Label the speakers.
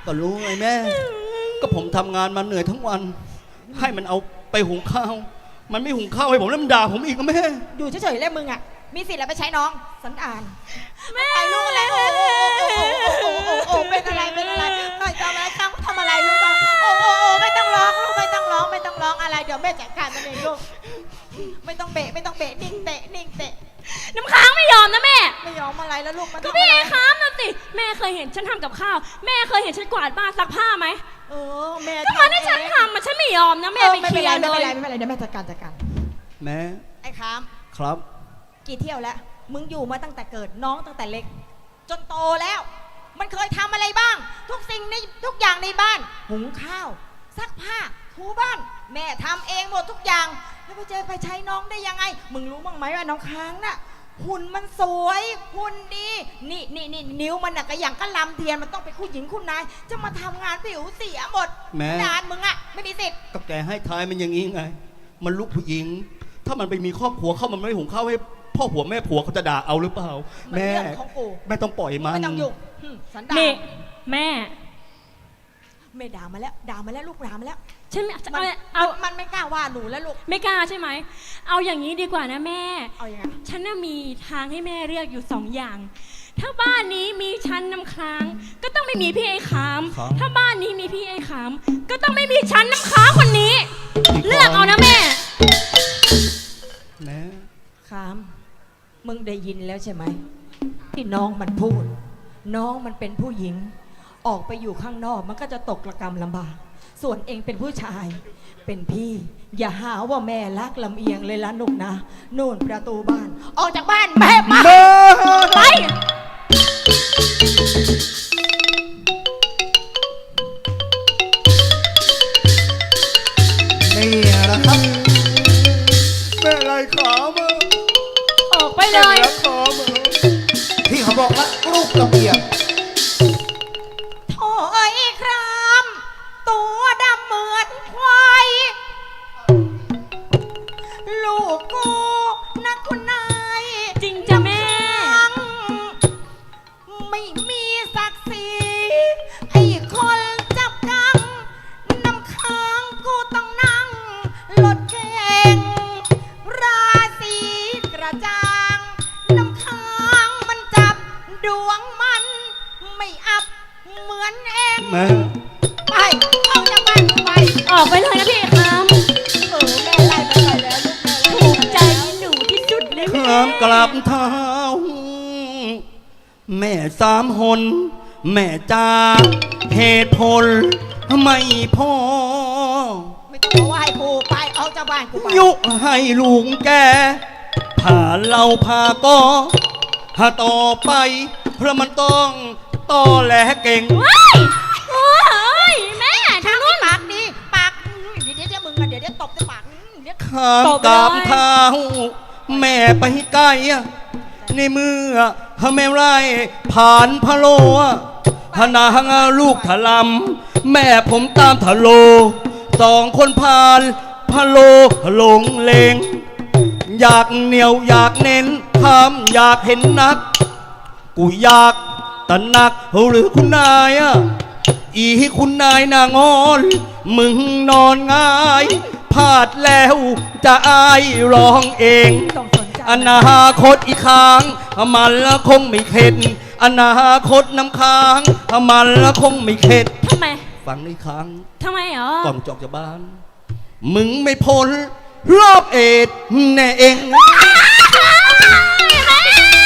Speaker 1: ก็รู้ไงแม่ก็ผมทำงานมาเหนื่อยทั้งวันให้มันเอาไปหุงข้าวมันไม่หุงข้าวให้ผมแล้วมันด่าผมอีกก็แม่
Speaker 2: อยู่เฉยๆแล้วมึงอ่ะมีสิทธิ์อะไรไปใช้น้องสันดานแม่ลูกอะไรโอ้เป็นอะไรหน่อยทำอะไรทำอะไรลูกโอ้ไม่ต้องร้องลูกไม่ต้องร้องอะไรเดี๋ยวแม่จัดการมันเองลูกไม่ต้องเบะนิ่งเตะ
Speaker 3: น้ำค้างไม่ยอมนะแม่
Speaker 2: ไม่ยอมอะไรแล้วลูกมัน
Speaker 3: ก็พี่ค้างนะสิแม่เคยเห็นฉันทำกับข้าวแม่เคยเห็นฉันกวาดบ้านซักผ้าไหม
Speaker 2: แม่
Speaker 3: ก็มาให้ฉันทำมันฉันไม่ยอมนะแม่ไปเคลียร์เลย
Speaker 2: ไม่เป็นไรเดี๋ยวแม่จัดการ
Speaker 1: แม่
Speaker 2: ไอ้ค้าม
Speaker 1: ครับ
Speaker 2: กี่เที่ยวแล้วมึงอยู่มาตั้งแต่เกิดน้องตั้งแต่เล็กจนโตแล้วมันเคยทำอะไรบ้างทุกสิ่งในทุกอย่างในบ้านหุงข้าวซักผ้าถูบ้านแม่ทำเองหมดทุกอย่างแล้วไปใช้น้องได้ยังไงมึงรู้มั้งไหมว่าน้องค้างน่ะหุ่นมันสวยหุ่นดีนี่นิ้วมันน่ะก็อย่างก็ลำเทียนมันต้องเป็นผู้หญิงคุณนายจะมาทำงานผิวเสียหมด
Speaker 1: แม่
Speaker 2: ด่านมึงอ่ะไม่มีสิทธิ์
Speaker 1: ก็แกให้ทายมันอย่างนี้ไงมันลูกผู้หญิงถ้ามันไปมีครอบครัวเข้ามันไม่หุงข้าวให้พ่อผัวแม่ผัวเขาจะด่าเอาหรือเปล่าแม่ไม่ต้องปล่อยมัน
Speaker 2: ไม่ต้องยุ่งสันดาน
Speaker 3: แม่
Speaker 2: ด่ามาแล้วลูกด่ามาแล้ว
Speaker 3: ใช่ไหม
Speaker 2: มันไม่กล้าว่าหนูแล้วลูก
Speaker 3: ไม่กล้าใช่ไหมเอาอย่างนี้ดีกว่านะแม่
Speaker 2: เอาอย่างไง
Speaker 3: ฉันน่ะมีทางให้แม่เลือกอยู่2 อย่างถ้าบ้านนี้มีฉันน้ำค้างก็ต้องไม่มีพี่ไอ้ขามถ้าบ้านนี้มีพี่ไอ้ขามก็ต้องไม่มีฉันน้ำค้างคนนี้เลือกเอานะแม่
Speaker 2: ขามมึงได้ยินแล้วใช่ไหมที่น้องมันพูดน้องมันเป็นผู้หญิงออกไปอยู่ข้างนอกมันก็จะตกระกำลำบากส่วนเองเป็นผู้ชายเป็นพี่อย่าหาว่าแม่รักลำเอียงเลยละนุกนะนู่นประตูบ้านออกจากบ้านแม่มาไป
Speaker 1: นี่นะครับแม่ไรขามา
Speaker 3: ออกไปเลย
Speaker 1: ที่เขาบอกว่าลูกลำเอียง
Speaker 2: ตัวดำเหมือนควายลูกกูนะคุณนาย
Speaker 3: จริงจ้ะแม่
Speaker 2: ไม่มีศักดิ์ศรีไอ้คนจับกังน้ำค้างกูต้องนั่งรถเก่งราศีกระจ่างน้ำค้างมันจับดวงมันไม่อับเหมือนเองไปออกจากบ้านไป
Speaker 3: ออกไปเลยนะพี่ครับ
Speaker 2: แม่ไล่ไปแล้วลูก
Speaker 3: ถูกใจหนูที่สุดเลย
Speaker 1: ข้ามกลับเท้าแม่3 หนแม่จ้าเหตุผลไม่พอ
Speaker 2: ไม่ต้องไหว้กูไปออกจากบ้านกูไป
Speaker 1: ยุให้ลุงแกผ่าเราพาก็ถ้าต่อไปเพราะมันต้องต่อแหลเก่ง
Speaker 3: แม่ทางนู้น
Speaker 2: ปากดีปากเดี๋ยวมึงเดี๋ยวตบในปาก
Speaker 1: ข้ามกราบเท้าแม่ไปไกลในมือแม่ไรผ่านพะโลพนางลูกถลำแม่ผมตามทะโล2 คนผ่านพะโลหลงเลงอยากเหนียวอยากเน้นทำอยากเห็นนักกูอยากตะนักหรือคุณนายอีคุณนายนางอนมึงนอนง่ายพลาดแล้วจะอายร้องเองอนาคตอีกครั้งมันละคงไม่เข็ดอนาคตน้ำค้างมันละคงไม่เข็ด
Speaker 3: ทำไม
Speaker 1: ฟังอีกครั้ง
Speaker 3: ทำไม
Speaker 1: ก่อนจอกจากบ้านมึงไม่พ้นรอบเอ็ดแน่เอง